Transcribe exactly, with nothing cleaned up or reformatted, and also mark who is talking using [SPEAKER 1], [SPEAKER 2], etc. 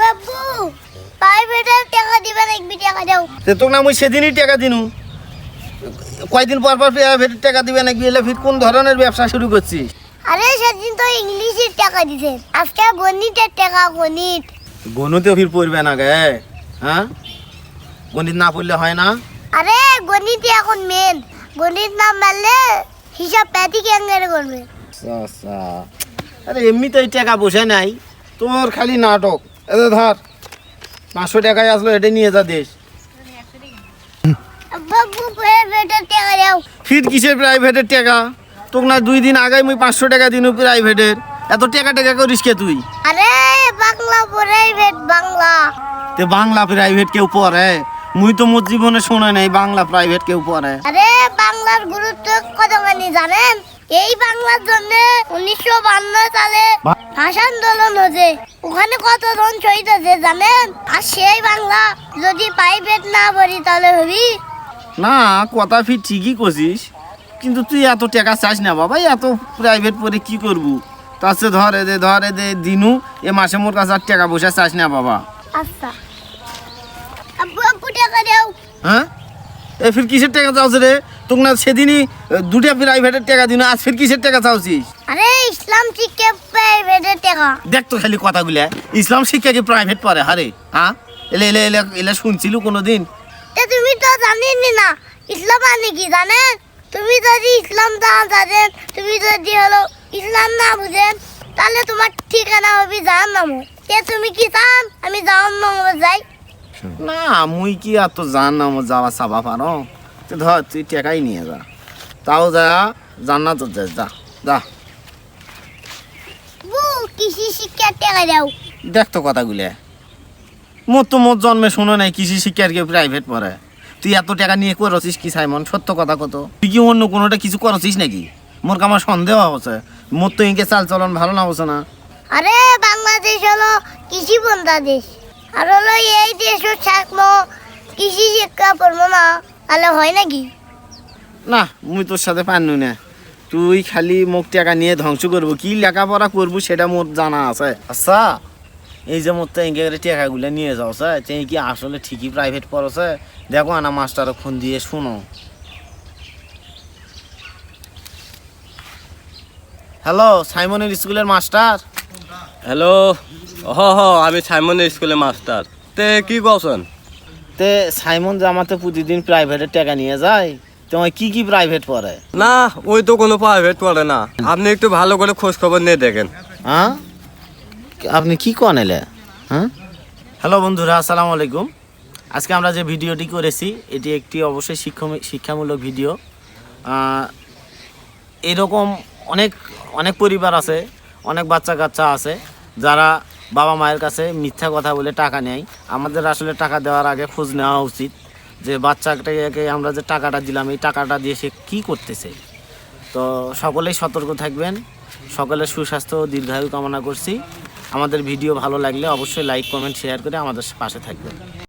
[SPEAKER 1] আব্বু প্রাইভেটের টাকা দিবেন এক বিশ টাকা দাও
[SPEAKER 2] তে তোকে না মুই সেদিনই টাকা দিনু কয়দিন পর পর প্রাইভেটের টাকা দিবে নাকি এলে ফির কোন ধরনের ব্যবসা শুরু করছিস?
[SPEAKER 1] আরে সেদিন তো ইংলিশের টাকা দিছেন আজকে গণিতের টাকা গণিত
[SPEAKER 2] গণিতেও ফির পড়বে না গে, হ্যাঁ গণিত না পড়লে হয় না?
[SPEAKER 1] আরে গণিত এখন মেন গণিত না মারলে হিসাব প্যাটি কেঙ্গারে করবে।
[SPEAKER 2] আচ্ছা আরে এমনিতেই টাকা বসে নাই তোর খালি নাটক। এতে ধর পাঁচশো টাকায় আসলো এটা নিয়ে যা দেশ।
[SPEAKER 1] আব্বু প্রাইভেটের টাকা দাও।
[SPEAKER 2] ফির কিসের প্রাইভেটের টাকা? তোকে না দুই দিন আগে মুই পাঁচশো টাকা দিনু প্রাইভেটের, এত টাকা টাকা করিস কে তুই?
[SPEAKER 1] আরে বাংলা প্রাইভেট বাংলা।
[SPEAKER 2] তে বাংলা প্রাইভেট কেউ পড়ে? মুই তো মোর জীবনে শোনা নাই বাংলা প্রাইভেট কেউ পড়ে।
[SPEAKER 1] আরে বাংলার গুরুত্ব কতখানি জানেন? এই বাংলার জন্য উনিশশো বান্ন সালে ভাষা আন্দোলন হয়েছে, ওখানে কতজন শহীদ হয়েছে জানেন? আর সেই বাংলা যদি প্রাইভেট না পড়ি তাহলে হবি
[SPEAKER 2] না, কথা ফির ঠিকই করছিস, কিন্তু তুই এত টাকা চাস না বাবা, এত প্রাইভেট পড়ে কি করবু? তার চেয়ে ধর এদে ধর এদে দিনু এ মাসে মোর কাছে আর টাকা বসে চাস না বাবা।
[SPEAKER 1] আচ্ছা আব্বু আব্বু টাকা দাও।
[SPEAKER 2] হ্যাঁ এ ফির কিসের টাকা চাওছ রে? তোকে না সেদিনই দুটা প্রাইভেটের টাকা দিন, আজ ফির কিসের টাকা চাওছিস?
[SPEAKER 1] আরে ইসলাম শিক্ষা প্রাইভেটের টাকা।
[SPEAKER 2] দেখ তো খালি কথাগুলা, ইসলাম শিক্ষা কি প্রাইভেট পড়ে? হারে হ্যাঁ এলে এলে এলে এলে শুনছিল কোনোদিন?
[SPEAKER 1] তা তুমি তো জানেনই না ইসলাম মানে কি জানেন? তুমি যদি ইসলাম না জানেন, তুমি যদি হলো ইসলাম না বুঝেন, তাহলে তোমার ঠিকানা হবে জাহান্নাম। তে তুমি কি চান আমি জাহান্নামে যাই?
[SPEAKER 2] না মুই কি আর তো জান না আমার যাওয়া চাবা পারো? তুই ধর তুই টাকাই নিয়ে যা, তাও যা জান্নাত যা, যা যা।
[SPEAKER 1] বু কৃষি শিক্ষার টাকা দাও।
[SPEAKER 2] দেখ তো কথাগুলা, মোর তো মোর জন্মে শোনো নাই কৃষি শিক্ষার কেউ প্রাইভেট পড়ে। তুই এত টাকা নিয়ে করছিস কি সাইমন? সত্য কথা কত? তুই কি অন্য কোনোটা কিছু করছিস নাকি? মোর আমার সন্দেহ হচ্ছে, মোর তো ইনকে চাল চলন ভালো না হচ্ছে না।
[SPEAKER 1] আরে বাংলাদেশ হলো কৃষি বন্ধা দেশ, আর হলো এই দেশও থাকবো কৃষি শিক্ষা পড়বো না তাহলে হয় নাকি?
[SPEAKER 2] না মুই তোর সাথে পারনু না, তুই খালি মুখ টাকা নিয়ে ধ্বংস করবো, কি লেখাপড়া করবো সেটা মোর জানা আছে। আচ্ছা এই যে মোর তো এঁকে টাকাগুলো নিয়ে যাওছে, তুই কি আসলে ঠিকই প্রাইভেট পড়ছে? দেখো আনা মাস্টারও ফোন দিয়ে শোনো। হ্যালো সাইমনের স্কুলের মাস্টার?
[SPEAKER 3] হ্যালো, হ হ আমি সাইমনের স্কুলের মাস্টার। তে কি করছেন?
[SPEAKER 2] তে সাইমন যে আমাতে প্রতিদিন প্রাইভেটের টাকা নিয়ে যায়, তোমার কি কি প্রাইভেট পড়ে?
[SPEAKER 3] না ওই তো কোনো প্রাইভেট পড়ে না, আপনি একটু ভালো করে খোঁজ খবর নিয়ে দেখেন।
[SPEAKER 2] হ্যাঁ আপনি কি কন এলে? হ্যাঁ হ্যালো বন্ধুরা, আসসালামু আলাইকুম। আজকে আমরা যে ভিডিওটি করেছি এটি একটি অবশ্যই শিক্ষা শিক্ষামূলক ভিডিও। এরকম অনেক অনেক পরিবার আছে, অনেক বাচ্চা কাচ্চা আছে যারা বাবা মায়ের কাছে মিথ্যা কথা বলে টাকা নেয়। আমাদের আসলে টাকা দেওয়ার আগে খোঁজ নেওয়া উচিত যে বাচ্চাটাকে আমরা যে টাকাটা দিলাম এই টাকাটা দিয়ে সে কী করতেছে। তো সকলেই সতর্ক থাকবেন, সকলের সুস্বাস্থ্য ও দীর্ঘায়ু কামনা করছি। আমাদের ভিডিও ভালো লাগলে অবশ্যই লাইক কমেন্ট শেয়ার করে আমাদের পাশে থাকবেন।